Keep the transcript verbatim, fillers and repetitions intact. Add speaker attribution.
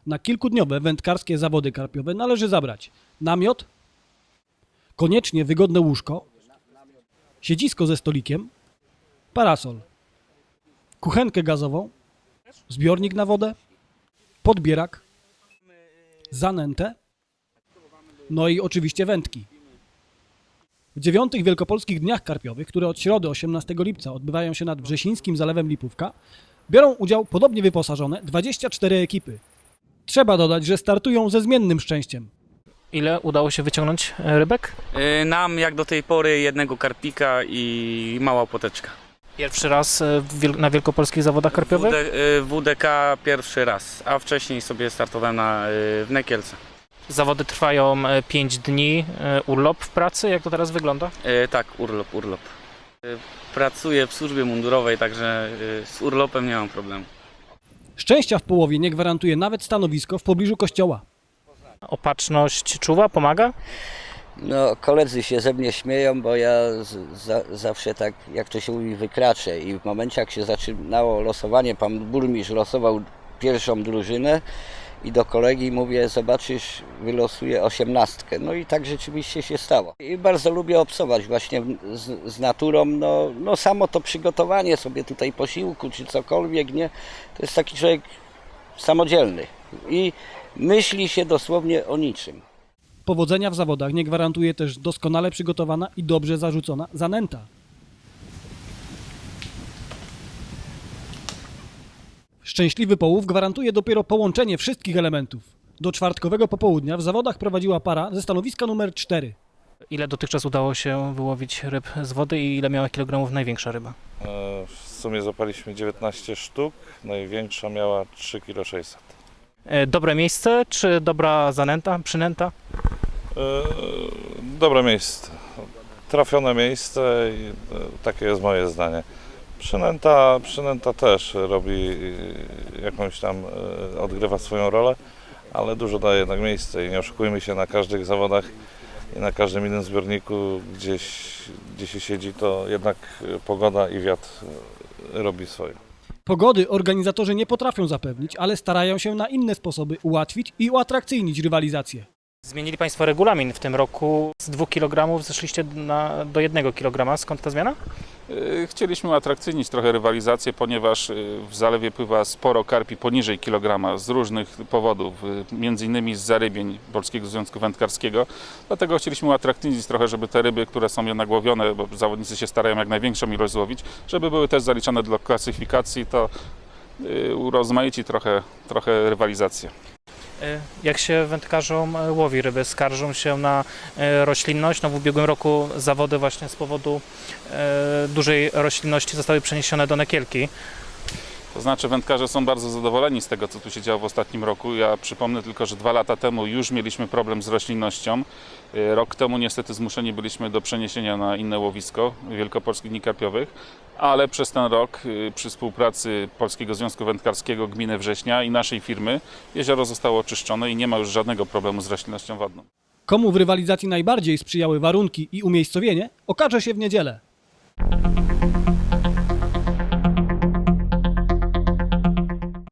Speaker 1: Na kilkudniowe wędkarskie zawody karpiowe należy zabrać namiot, koniecznie wygodne łóżko, siedzisko ze stolikiem, parasol, kuchenkę gazową, zbiornik na wodę, podbierak, zanętę, no i oczywiście wędki. W dziewiątych Wielkopolskich Dniach Karpiowych, które od środy osiemnastego lipca odbywają się nad wrzesińskim zalewem Lipówka, biorą udział podobnie wyposażone dwadzieścia cztery ekipy. Trzeba dodać, że startują ze zmiennym szczęściem.
Speaker 2: Ile udało się wyciągnąć rybek?
Speaker 3: Yy, Nam jak do tej pory jednego karpika i mała poteczka.
Speaker 2: Pierwszy raz w wiel- na wielkopolskich zawodach karpiowych?
Speaker 3: W D, yy, W D K pierwszy raz, a wcześniej sobie startowałem na, yy, w Nekielce.
Speaker 2: Zawody trwają pięć dni, urlop w pracy, jak to teraz wygląda?
Speaker 3: Yy, Tak, urlop, urlop. Yy, Pracuję w służbie mundurowej, także yy, z urlopem nie mam problemu.
Speaker 1: Szczęścia w połowie nie gwarantuje nawet stanowisko w pobliżu kościoła.
Speaker 2: Opatrzność czuwa, pomaga?
Speaker 4: No, koledzy się ze mnie śmieją, bo ja z, za, zawsze tak, jak to się mówi, wykraczę i w momencie, jak się zaczynało losowanie, pan burmistrz losował pierwszą drużynę i do kolegi mówię, zobaczysz, wylosuję osiemnastkę. No i tak rzeczywiście się stało. I bardzo lubię obcować właśnie z, z naturą, no, no samo to przygotowanie sobie tutaj posiłku czy cokolwiek, nie, to jest taki człowiek samodzielny i myśli się dosłownie o niczym.
Speaker 1: Powodzenia w zawodach nie gwarantuje też doskonale przygotowana i dobrze zarzucona zanęta. Szczęśliwy połów gwarantuje dopiero połączenie wszystkich elementów. Do czwartkowego popołudnia w zawodach prowadziła para ze stanowiska numer cztery.
Speaker 2: Ile dotychczas udało się wyłowić ryb z wody i ile miała kilogramów największa ryba?
Speaker 5: W sumie zapaliśmy dziewiętnaście sztuk, największa miała trzy przecinek sześćset kg.
Speaker 2: Dobre miejsce czy dobra zanęta, przynęta?
Speaker 5: Dobre miejsce, trafione miejsce i takie jest moje zdanie. Przynęta, przynęta też robi jakąś tam, odgrywa swoją rolę, ale dużo daje jednak miejsce i nie oszukujmy się, na każdych zawodach i na każdym innym zbiorniku gdzieś, gdzie się siedzi, to jednak pogoda i wiatr robi swoje.
Speaker 1: Pogody organizatorzy nie potrafią zapewnić, ale starają się na inne sposoby ułatwić i uatrakcyjnić rywalizację.
Speaker 2: Zmienili Państwo regulamin w tym roku. Z dwóch kilogramów zeszliście na, do jednego kilograma. Skąd ta zmiana?
Speaker 6: Chcieliśmy uatrakcyjnić trochę rywalizację, ponieważ w zalewie pływa sporo karpi poniżej kilograma z różnych powodów, między innymi z zarybień Polskiego Związku Wędkarskiego. Dlatego chcieliśmy uatrakcyjnić trochę, żeby te ryby, które są jednak łowione, bo zawodnicy się starają jak największą ilość złowić, żeby były też zaliczane do klasyfikacji, to urozmaici trochę, trochę rywalizację.
Speaker 2: Jak się wędkarzom łowi ryby? Skarżą się na roślinność. No w ubiegłym roku zawody właśnie z powodu dużej roślinności zostały przeniesione do Nekielki.
Speaker 6: To znaczy wędkarze są bardzo zadowoleni z tego, co tu się działo w ostatnim roku. Ja przypomnę tylko, że dwa lata temu już mieliśmy problem z roślinnością. Rok temu niestety zmuszeni byliśmy do przeniesienia na inne łowisko Wielkopolskich Dni Karpiowych, ale przez ten rok przy współpracy Polskiego Związku Wędkarskiego, Gminy Września i naszej firmy jezioro zostało oczyszczone i nie ma już żadnego problemu z roślinnością wodną.
Speaker 1: Komu w rywalizacji najbardziej sprzyjały warunki i umiejscowienie, okaże się w niedzielę.